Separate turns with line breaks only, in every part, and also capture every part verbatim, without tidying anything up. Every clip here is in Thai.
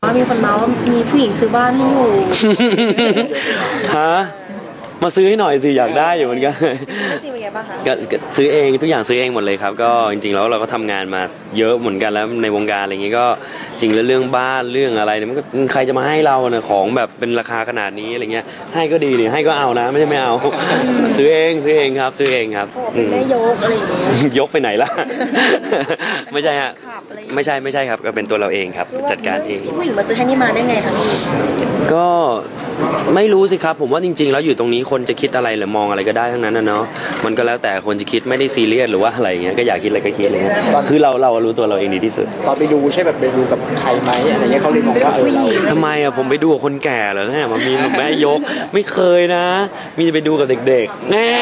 มีคนเมาว่ามีผู้หญิงซื้อบ้านให้อยู่
ฮะมาซื้อให้หน่อยสิอยากได้อยู่เหมือนกัน
จริงเป็นไงบ้างคะ
ก็ซื้อเองทุกอย่างซื้อเองหมดเลยครับก็จริงๆแล้วเราก็ทำงานมาเยอะเหมือนกันแล้วในวงการอะไรอย่างงี้ก็จริงแล้วเรื่องบ้านเรื่องอะไรเนี่ยมันก็ใครจะมาให้เราเนี่ยของแบบเป็นราคาขนาดนี้อะไรเงี้ยให้ก็ดีเนี่ยให้ก็เอานะไม่ใช่ไม่เอาซื้อเองซื้อเองครับซื้อเองครับ
เป็นแม่ยกอะไรอย่างงี้
ยกไปไหนล่ะไม่ใช่ฮะไม่ใช่ไม่ใช่ครับก็เป็นตัวเราเองครับจัดการเอง
ผู้หญิงมาซื้อให้นี่มาได้ไงคะพี่
ก็ไม่รู้สิครับผมว่าจริงๆแล้วอยู่ตรงนี้คนจะคิดอะไรหรือมองอะไรก็ได้ทั้งนั้นนะเนาะมันก็แล้วแต่คนจะคิดไม่ได้ซีเรียสหรือว่าอะไรเงี้ยก็อยากคิดอะไรก็คิดเลยคือเราเรารู้ตัวเราเองดีที่สุด
ตอนไปดูใช่แบบไปดูกับใครไหมอะไรเงี้ยเขาเลยบอกว่าเออ
ทำไมอะผมไปดูกับคนแก่เหรอเนี่ยมันมีแม่ยกไม่เคยนะมีไปดูกับเด็กๆแน่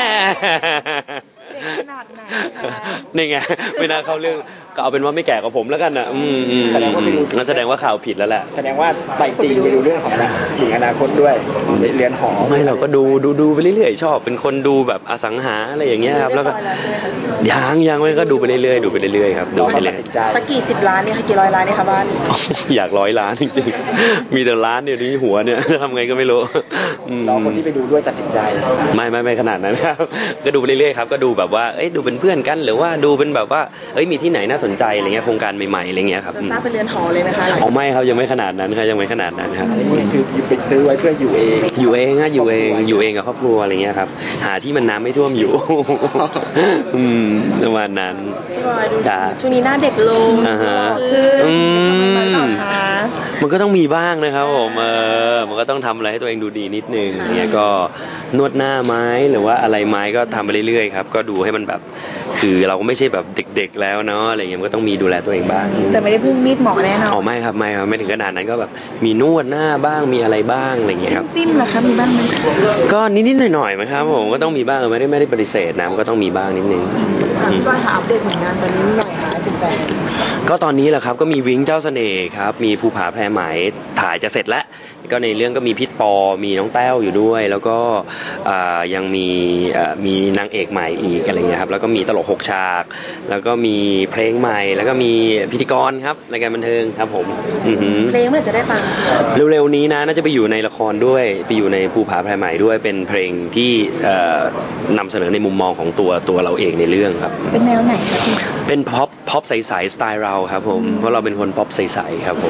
ขนาดไหน
นี่ไงไม่น่าเข้าเรื่องก็เอาเป็นว่าไม่แก่กว่าผมแล้วกันนะอืมอืมงั้นแสดงว่าข่าวผิดแล้วแหละ
แสดงว่าไปตีไปดูเรื่องของถึงอนาคตด้วยเรียนหอ
ไม่เราก็ดูดูดูไปเรื่อยๆชอบเป็นคนดูแบบอสังหาอะไรอย่างเงี้ยครับแล้วก็ยังยังไม่ก็ดูไปเรื่อยๆดูไปเรื่อยๆครับดูไปเรื่อย
สักกี่สิบล้านเนี่ยค่ะกี่ร้อยล้านเนี่ยค่ะบ้าน
อยากร้อยล้านจริงๆมีแต่ล้านเดียวที่หัวเนี่ยทำไงก็ไม่รู้
รอคนที่ไปดูด้วยตัดสินใจ
ไม่ไม่ไม่ขนาดนั้นครับก็ดูไปเรื่อยๆครับก็ดูแบบว่าเอ้ยดูเป็นเพื่อนกันหรือว่าดูเป็นแบบว่าเอ้ยมีที่ไหนน่าสนใจอะไรเงี้ยโครงการใหม่ๆอะไรเงี้ยครับ
จะสร้างเป็นเรือนหอเลยไหมคะ
อ๋อไม่ครับยังไม่ขนาดนั้นครับยังไม่ขนาดนั้นครับ
คือไปซื้อไว้เพื่ออยู่เอง
อยู่เองฮะอยู่เองอยู่เองกับครอบครัวอะไรเงี้ยครับหาที่มันน้ำไม่ท่วมอยู่อืมประมาณนั้น
จ้าช่วงนี้หน้าเด็กลง
อ่าฮะ
อืม
มันก็ต้องมีบ้างนะครับผมเออมันก็ต้องทำอะไรให้ตัวเองดูดีนิดนึงเงี้ยก็นวดหน้าไม้หรือว่าอะไรไม้ก็ทำไปเรื่อยๆครับก็ดูให้มันแบบคือเราก็ไม่ใช่แบบเด็กๆแล้วเนาะอะไรเงี้ยมันก็ต้องมีดูแลตัวเองบ้าง
จะไม่ได้พึ่งมีดหมอแน่นอน
อ๋อไม่ครับไม่ครับไม่ถึงขนาดนั้นก็แบบมีนวดหน้าบ้างมีอะไรบ้างอะไรเงี้ยครับ
จิ้มเหรอคะมีบ้างไหม
ก็นิดๆหน่อยๆมั้งครับผมก็ต้องมีบ้างไม่ได้ไม่ได้ปฏิเสธนะมันก็ต้องมีบ้างนิดนึง
พี่บอลค่ะอัปเดตผลงานตอนนี้หน่อยค่ะถึงแฟน
ก็ตอนนี้แหละครับก็มีวิ้งเจ้าเสน่ห์ครับมีภูผาแพรไหมถ่ายจะเสร็จแล้วก็ในเรื่องก็มีพิษปอมีน้องแต้วอยู่ด้วยแล้วก็ยังมีมีนางเอกใหม่อีกอะไรเงี้ยครับแล้วก็มีตลกหกฉากแล้วก็มีเพลงใหม่แล้วก็มีพิธีกรครับรายการบันเทิงครับผม
เพลงเมื่อไหร่จะได้ฟัง
เร็วๆนี้นะน่าจะไปอยู่ในละครด้วยไปอยู่ในภูผาแพรไหมด้วยเป็นเพลงที่นำเสนอในมุมมองของตัวตัวเราเองในเรื่องครับ
เป็นแนวไหนครับ
เป็นพ็อปพ็อปใสๆสไตล์เราครับผมเพราะเราเป็นคนพ็อปใสๆครับผม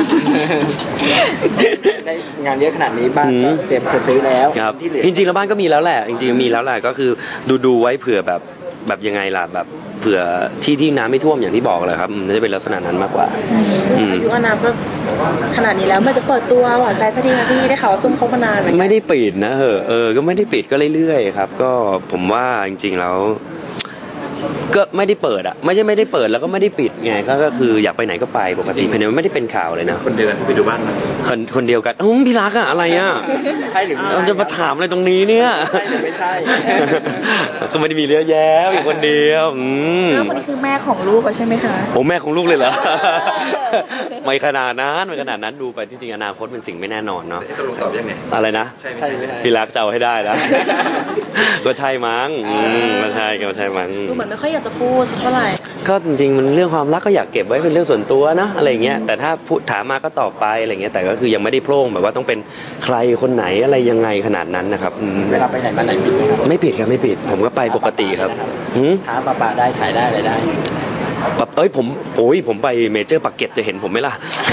ได้งานเยอะขนาดนี้บ้านก็เตรียมซื้อแล้ว
ครับจริงๆแล้วบ้านก็มีแล้วแหละจริงๆมีแล้วแหละก็คือดูดูไว้เผื่อแบบแบบยังไงล่ะแบบเผื่อที่ที่น้ำไม่ท่วมอย่างที่บอกเลยครับน่าจะเป็นลักษณะนั้นมากกว่า
อายุอานามก็ขนาดนี้แล้วมันจะเปิดตัวหวานใจสักทีนะพี่ได้ข่าวว่าซุ่มคบมานาน
ไม่ได้ปิดนะเหอะเออก็ไม่ได้ปิดก็เรื่อยๆครับก็ผมว่าจริงๆแล้วก็ไม่ได้เปิดอ่ะไม่ใช่ไม่ได้เปิดแล้วก็ไม่ได้ปิดไงก็คืออยากไปไหนก็ไปปกติเพราะไม่ได้เป็นข่าวเลยนะ
คนเดียวกันไปดูบ้าน
คนคนเดียวกันอุ้มพี่รักอะอะไรอะ
ใช่หรือ
เราจะมาถามอะไรตรงนี้เนี่ย
ใช่หรือไม่ใช่
ก็ไม่ได้มีเรื่องแย้วอยู่คนเดียวอื
มแล้วคนนี้คือแม่ของลูกใช่ไหมคะ
โอ้แม่ของลูกเลยเหรอไม่ขนาดนั้นไม่ขนาดนั้นดูไปจริงๆอนาคตเป็นสิ่งไม่แน่นอนเนาะ
ตกลงตอบยังไง
อะไรนะ
ใช่ไม่ใช่
พี่รักจะเอาให้ได้นะก็ใช่มั้งก็ใช่ก็ใช่มั้ง
ดูเหมือนไม่ค่อยอยากจะพูดสักเท่าไหร่
ก็จริงๆมันเรื่องความรักก็อยากเก็บไว้เป็นเรื่องส่วนตัวนะอะไรเงี้ยแต่ถ้าพูดถามมาก็ตอบไปอะไรเงี้ยแต่ก็คือยังไม่ได้โพร่งแบบว่าต้องเป็นใครคนไหนอะไรยังไงขนาดนั้นนะครับ
เวลาไปไหนมาไหนผิดไหมครับ
ไม่ผิดครับไม่ผิดผมก็ไปปกติครับ
ท้าปะปะได้ถ่ายได้อะไรได้
แบบเอ้ยผมโอ้ยผมไปเมเจอร์ปากเก็ตจะเห็นผมไหมล่ะ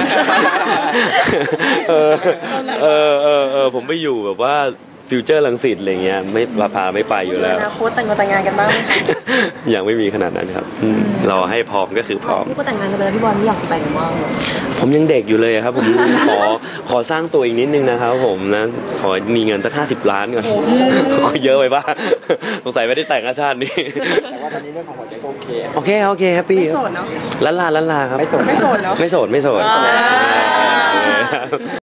เออเออเออเออผมไปอยู่แบบว่าฟิวเจอร์ลังสิตอะไรเงี้ยไม่พาไม่ไปอยู่แล้ว
อนาคตแต่งงานแต่งงานกันบ้างไหม
ยังไม่มีขนาดนั้นครับรอให้พร้อมก็คือพร้อม
พี่ก็แต่งงานกันไปแล้วพี่บอลไม่อยากแต่งมาก
ผมยังเด็กอยู่เลยครับผมขอขอสร้างตัวอีกนิดนึงนะครับผมนะขอมีเงินสักห้าสิบล้านก่อนเยอะไปป่ะสงสัยไม่ได้แต่งอาชาตินี้
แต่ว่าตอนนี้เรื่องของหัวใจโอเค
โอเคโอเคแฮปปี้
ไม่โสดเนาะ
ล้านลาล้านลาครับ
ไม่โสด
ไม่โสดเนาะ
ไม่โสดไม่โสด